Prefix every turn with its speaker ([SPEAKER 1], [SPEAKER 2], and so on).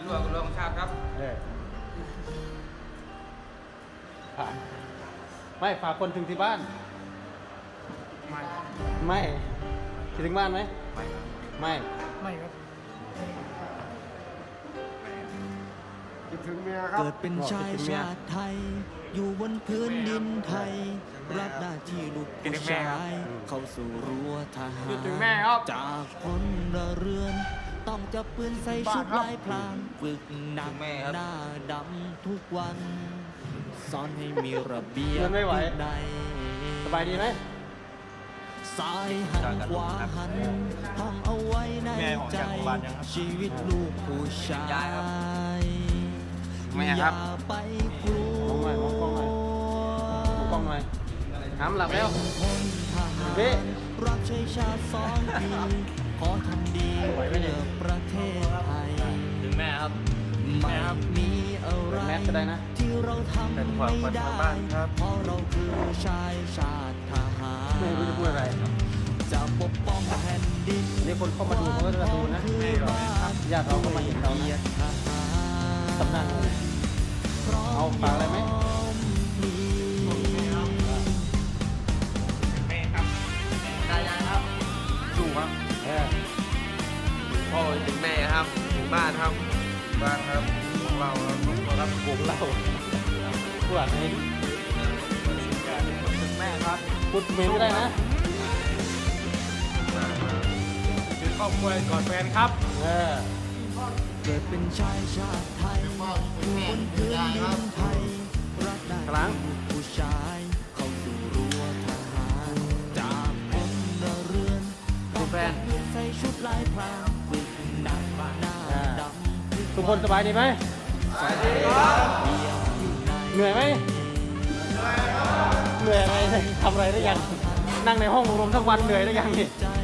[SPEAKER 1] วจกับรองชาติครับ
[SPEAKER 2] ไม่ฝากคนถึงที่บ้าน ไม่คิดถึงบ้านไหมไม่
[SPEAKER 3] ครับ
[SPEAKER 2] คิดถึงเมียครับ
[SPEAKER 4] เกิดเป็นชายชาติไทยอยู่บนพื้นดินไทยรับหน้าที่ลูกผู้ชายเข้าสู่รั้วทหารจากพลเรือนต้องจับปืนใส่ชุดลายพรางฝึกหนักหน้าดำทุกวันสอนให้มีระเบียบใด
[SPEAKER 2] สบายดีไหม
[SPEAKER 4] ซ้ายหันขวาหันท่องเอาไว้ในใจชีวิตลูกผู้ชายอย่าไปกลัว
[SPEAKER 2] มองกล้องหน่อยห้ามหลับแล้ว
[SPEAKER 4] เบ๊รับใช้ชาติ2 ปีขอทำดีเพื่อประเทศไทย
[SPEAKER 1] ถึงแม่ครับ
[SPEAKER 4] ไม่มีอะไรที่เราทำไม่ได้เพราะเราคือชายชาติทหาร
[SPEAKER 2] ไม่รู้จะพูดอะไร
[SPEAKER 4] จะปกป้องแผ่นดิน
[SPEAKER 2] นี่คนเข้ามาดูเขาก็จะดูนะญาติเราก็มาเห็นเรานะตำนานเอาฝากอะไรไหม
[SPEAKER 1] ได้ครับสู้ครับพ่อถึงแม่ครับถึงบ้านครับของเราครับ
[SPEAKER 2] วงเล่าผู้อ่านให้
[SPEAKER 1] ถึงแม่ครับ
[SPEAKER 2] พูดเมย์ไม่ได้นะ
[SPEAKER 3] คือครอบครัวกอดแฟนครับ
[SPEAKER 4] เกิดเป็นชายชาติไทยอยู่บนพื้นดินไทยรักได้ผู้ชายเข้าสู่รั้วทหารจากพลเรือนต้องจับปืนใส่ชุดลายพรางฝึกหนักหน้าดำ
[SPEAKER 2] ทุกคนสบายดีไหมเหนื่อยไหมเหนื่อยอะไรทำอะไรได้ยังนั่งในห้องรวมทั้งวันเหนื่อยได้ยังนี่